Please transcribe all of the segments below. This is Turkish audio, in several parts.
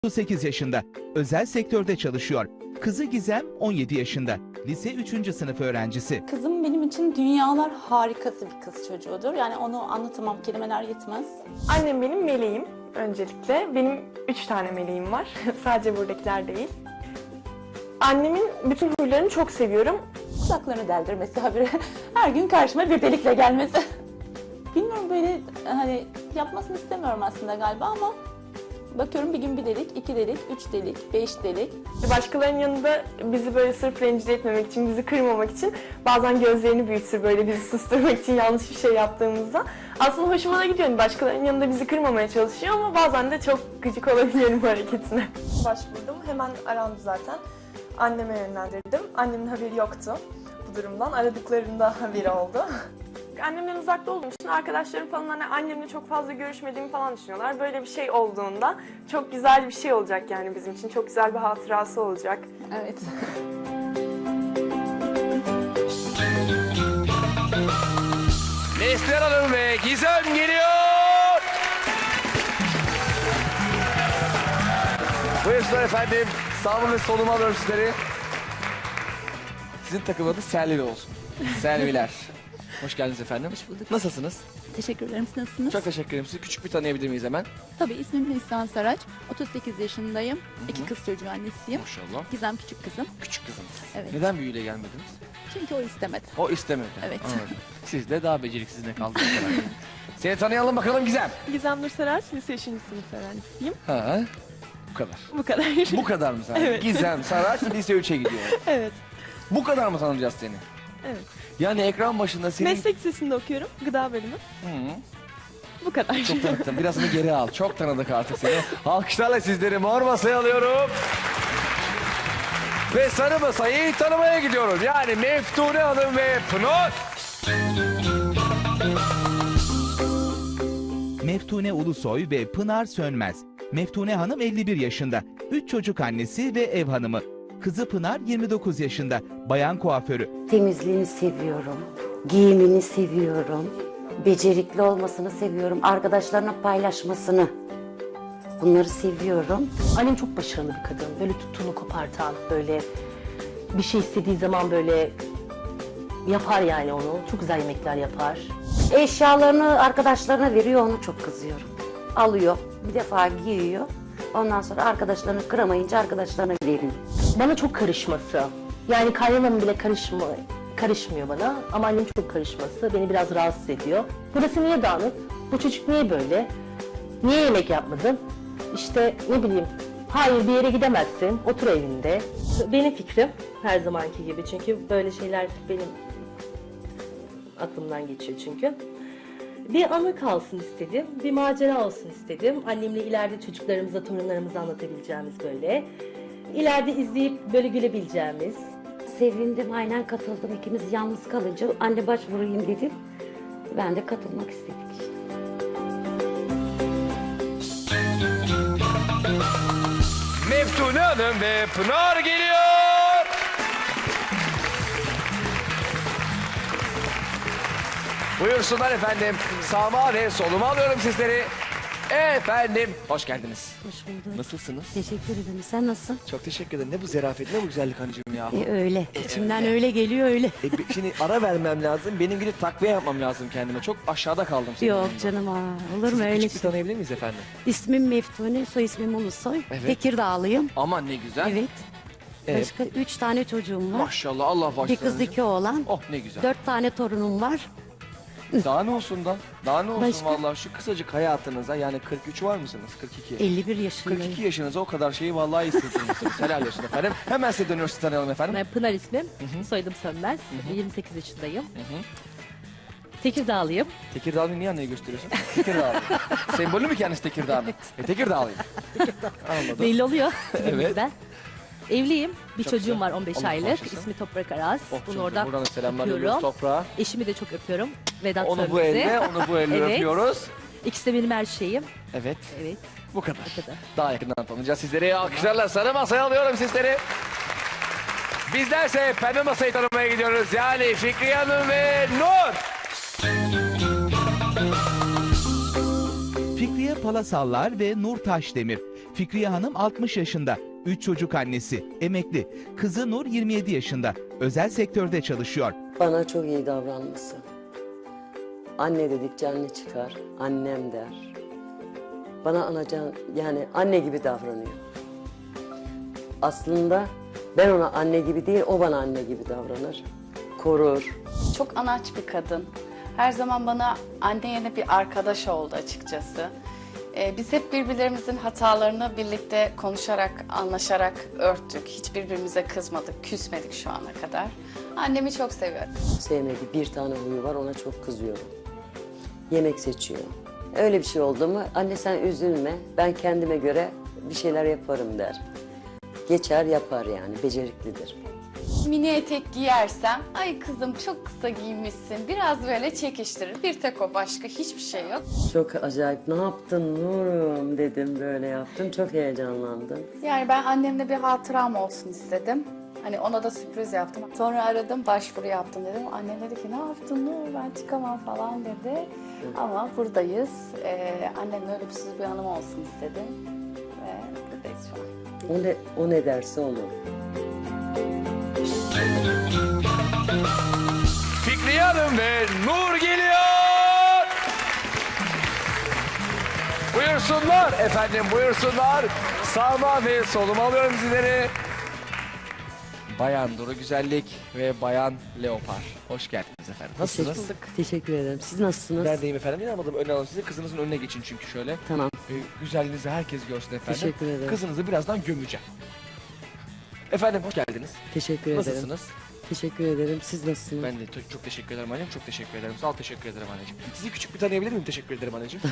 38 yaşında, özel sektörde çalışıyor. Kızı Gizem 17 yaşında, lise 3. sınıf öğrencisi. Kızım benim için dünyalar harikası bir kız çocuğudur. Yani onu anlatamam, kelimeler yetmez. Annem benim meleğim öncelikle. Benim 3 tane meleğim var. Sadece buradakiler değil. Annemin bütün huylarını çok seviyorum. Kulaklarını deldirmesi habire, her gün karşıma bir delikle gelmesi. Bilmiyorum, böyle hani yapmasını istemiyorum aslında galiba ama bakıyorum bir gün bir delik, 2 delik, 3 delik, 5 delik. Başkalarının yanında bizi böyle sırf rencide etmemek için, bizi kırmamak için bazen gözlerini büyütür böyle bizi susturmak için yanlış bir şey yaptığımızda. Aslında hoşuma da gidiyor. Başkalarının yanında bizi kırmamaya çalışıyor ama bazen de çok gıcık olabiliyorum bu hareketine. Başvurdum. Hemen arandı zaten. Anneme yönlendirdim. Annemin haberi yoktu bu durumdan. Aradıklarında haberi oldu. Annemden uzakta olduğum için arkadaşlarım falan hani annemle çok fazla görüşmediğimi falan düşünüyorlar. Böyle bir şey olduğunda çok güzel bir şey olacak yani bizim için. Çok güzel bir hatırası olacak. Evet. Neslihan Hanım ve Gizem geliyor. Buyursunlar efendim. Sağ ve soluma alıyorum sizleri. Sizin takım adı Selvi olsun. Selviler. Hoş geldiniz efendim. Hoş bulduk. Nasılsınız? Teşekkür ederim. Siz nasılsınız? Çok teşekkür ederim. Sizi küçük bir tanıyabilir miyiz hemen? Tabii ismim Neslihan Saraç. 38 yaşındayım. 2 kız çocuğu annesiyim. Maşallah. Gizem küçük kızım. Küçük kızınız. Evet. Neden büyüyle gelmediniz? Çünkü o istemedi. O istemedi. Evet. Anladım. Siz de daha beceriksiz ne kaldınız? Seni tanıyalım bakalım Gizem. Gizem Nur Saraç, lise 3. sınıf öğrencisiyim. Ha, bu kadar. Bu kadar. Bu kadar mı sen? Evet. Gizem Saraç lise 3'e gidiyor. Evet. Bu kadar mı tanıyacağız seni? Evet. Yani ekran başında senin... Meslek lisesinde okuyorum. Gıda bölümü. Hı. Bu kadar. Çok tanıttım. Birazını geri al. Çok tanıdık artık seni. Alkışlarla sizleri mor masaya alıyorum. Ve sarı masayı tanımaya gidiyoruz. Yani Meftune Hanım ve Pınar. Meftune Ulusoy ve Pınar Sönmez. Meftune Hanım 51 yaşında, 3 çocuk annesi ve ev hanımı. Kızı Pınar 29 yaşında, bayan kuaförü. Temizliğini seviyorum, giyimini seviyorum, becerikli olmasını seviyorum, arkadaşlarına paylaşmasını. Bunları seviyorum. Annem çok başarılı bir kadın. Böyle tuttuğunu kopartan, böyle bir şey istediği zaman böyle yapar yani onu. Çok güzel yemekler yapar. Eşyalarını arkadaşlarına veriyor, onu çok kızıyorum. Alıyor, bir defa giyiyor. Ondan sonra arkadaşlarını kıramayınca arkadaşlarına veriyor. Bana çok karışması. Yani kaynanam bile karışmıyor bana. Ama annem çok karışması beni biraz rahatsız ediyor. Burası niye dağınık? Bu çocuk niye böyle? Niye yemek yapmadın? İşte ne bileyim. Hayır, bir yere gidemezsin. Otur evinde. Benim fikrim her zamanki gibi. Çünkü böyle şeyler benim aklımdan geçiyor çünkü. Bir anı kalsın istedim, bir macera olsun istedim. Annemle ileride çocuklarımıza, torunlarımıza anlatabileceğimiz böyle. İleride izleyip böyle gülebileceğimiz. Sevindim, aynen katıldım. İkimiz yalnız kalınca anne başvurayım dedim. Ben de katılmak istedik işte. Meftune Hanım ve Pınar geliyor. Buyursunlar efendim. Sağıma ve soluma alıyorum sizleri. Efendim, hoş geldiniz. Hoş bulduk. Nasılsınız? Teşekkür ederim. Sen nasılsın? Çok teşekkür ederim. Ne bu zerafet, ne bu güzellik hanıcığım ya. Öyle. İçimden öyle geliyor öyle. Şimdi ara vermem lazım. Benim gidip takviye yapmam lazım kendime. Çok aşağıda kaldım. senin Yok yanında. canım, olur Sizi mu öyle küçük bir şey? tanıyabilir miyiz efendim? İsmim Meftune, soy ismim Ulusoy. Evet. Tekirdağlıyım. Aman ne güzel. Evet. Evet. Başka 3 tane çocuğum var. Maşallah, Allah Bir başlasın. kız 2 oğlan. Oh ne güzel. 4 tane torunum var. Daha ne olsun da? Daha ne olsun Başka? vallahi şu kısacık hayatınıza, yani 43 var mısınız? 42. 51 yaşındayım. 42 yaşınıza o kadar şeyi vallahi hissettirmişsiniz. Helal olsun efendim. Hemen size dönüyoruz, sizi tanıyalım efendim. Ben Pınar ismim, soyadım Sönmez. 28 yaşındayım. Tekirdağlıyım. Tekirdağ'ı niye anneye gösteriyorsun? Tekirdağ. Sembolü mü kendisi Tekirdağ'ın? Tekirdağlıyım. Anladım. Belli oluyor Evet. tipimizden. Evliyim. Bir Çok çocuğum güzel. var 15 Allah aylık. bağışlasın. İsmi Toprak Aras. Oh, Bunu çok oradan buradan selamlar öpüyorum. ediyoruz toprağa. Eşimi de çok öpüyorum. Vedat Onu bu Sönmez'i. elle, onu bu elle Evet. öpüyoruz. İkisi de benim her şeyim. Evet. Evet. Bu kadar. Bu kadar. Daha yakından tanıyacağız sizleri. Alkışlarla sarı masaya alıyorum sizleri. Bizlerse pembe masayı tanımaya gidiyoruz. Yani Fikriye Hanım ve Nur. Fikriye Palasallar ve Nur Taşdemir. Fikriye Hanım 60 yaşında, 3 çocuk annesi, emekli. Kızı Nur 27 yaşında, özel sektörde çalışıyor. Bana çok iyi davranması. Anne dedikçe anne çıkar, annem der. Bana anacan, yani anne gibi davranıyor. Aslında ben ona anne gibi değil, o bana anne gibi davranır. Korur. Çok anaç bir kadın. Her zaman bana anne yerine bir arkadaş oldu açıkçası. Biz hep birbirlerimizin hatalarını birlikte konuşarak, anlaşarak örttük. Hiç birbirimize kızmadık, küsmedik şu ana kadar. Annemi çok seviyorum. Sevmediği bir tane huyu var, ona çok kızıyorum. Yemek seçiyor. Öyle bir şey oldu mu, anne sen üzülme, ben kendime göre bir şeyler yaparım der. Geçer yapar yani, beceriklidir. Mini etek giyersem, ay kızım çok kısa giymişsin, biraz böyle çekiştirir. Bir tek o, başka hiçbir şey yok. Çok acayip, ne yaptın Nurum dedim, böyle yaptım, çok heyecanlandım. Yani ben annemle bir hatıram olsun istedim. Hani ona da sürpriz yaptım. Sonra aradım, başvuru yaptım dedim. Annem dedi ki ne yaptın Nur, ben çıkamam falan dedi. Ama buradayız. Annemle ölümsüz bir anım olsun istedim. Ve buradayız şu an. O ne derse olur. Fikriye Hanım ve Nur geliyor. Buyursunlar efendim, buyursunlar. Sağıma ve soluma alıyorum sizleri. Bayan Duru Güzellik ve Bayan Leopar. Hoş geldiniz efendim. Nasılsınız? Teşekkür ederim. Siz nasılsınız? Neredeyim efendim? İnanmadım, öne alın sizi. Kızınızın önüne geçin çünkü şöyle. Tamam. Güzelliğinizi herkes görsün efendim. Teşekkür ederim. Kızınızı birazdan gömeceğim. Efendim hoş geldiniz. Teşekkür ederim. Nasılsınız? Teşekkür ederim. Siz nasılsınız? Ben de çok teşekkür ederim anneciğim. Çok teşekkür ederim. Sağ ol, teşekkür ederim anneciğim. Sizi küçük bir tanıyabilir miyim? Teşekkür ederim anneciğim.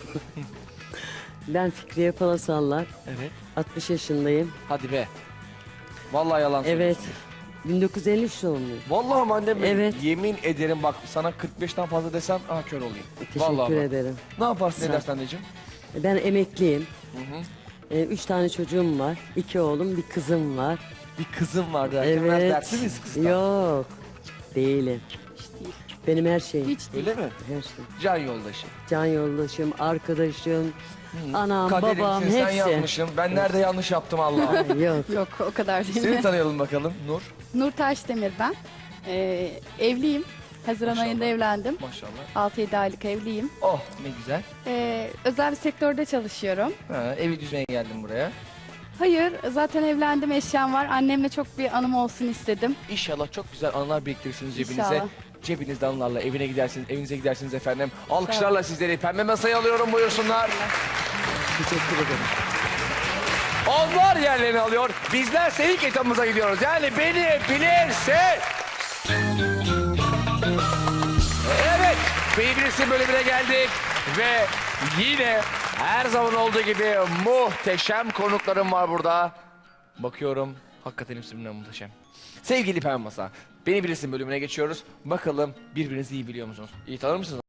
Ben Fikriye Palasallar. Evet. 60 yaşındayım. Hadi be. Vallahi yalan Evet. söylüyorsun. 1953 doğumluyum. Vallahi mi annem benim? Evet. Yemin ederim bak sana 45'ten fazla desem kör olayım. Vallahi Teşekkür bak. ederim. Ne yaparsın Sağ ol. edersin anneciğim? Ben emekliyim. Hı hı. 3 tane çocuğum var. 2 oğlum, bir kızım var. Bir kızım var derken ben Evet. dertli miyiz kızdan? Yok. Değilim. Hiç değil. Benim her şeyim. Hiç değil. Öyle mi? Her şey. Can yoldaşı. Can yoldaşım, arkadaşım, Hı. anam, Kaderimsin, babam sen hepsi. yapmışım. Ben nerede yanlış yaptım Allah'ım. Yok. Yok o kadar değil. Seni tanıyalım bakalım Nur. Nur Taşdemir ben. Evliyim. Haziran Maşallah. ayında evlendim. Maşallah. 6-7 aylık evliyim. Oh ne güzel. Özel bir sektörde çalışıyorum. Ha, evi düzmeye geldim buraya. Hayır, zaten evlendim, eşyam var. Annemle çok bir anım olsun istedim. İnşallah çok güzel anılar biriktirirsiniz cebinize. İnşallah. Cebinizde anılarla evine gidersiniz, evinize gidersiniz efendim. Alkışlarla sizleri pembe masaya alıyorum, buyursunlar. Teşekkür ederim. Onlar yerlerini alıyor. Bizlerse ilk etapımıza gidiyoruz. Yani beni bilirse... Evet, Beni Bilirsin bölümüne geldik. Ve yine her zaman olduğu gibi muhteşem konuklarım var burada. Bakıyorum, hakikaten hepsi birbirinden muhteşem. Sevgili Pembe Masa, Beni Bilirsin bölümüne geçiyoruz. Bakalım birbirinizi iyi biliyor musunuz? İyi tanır mısınız?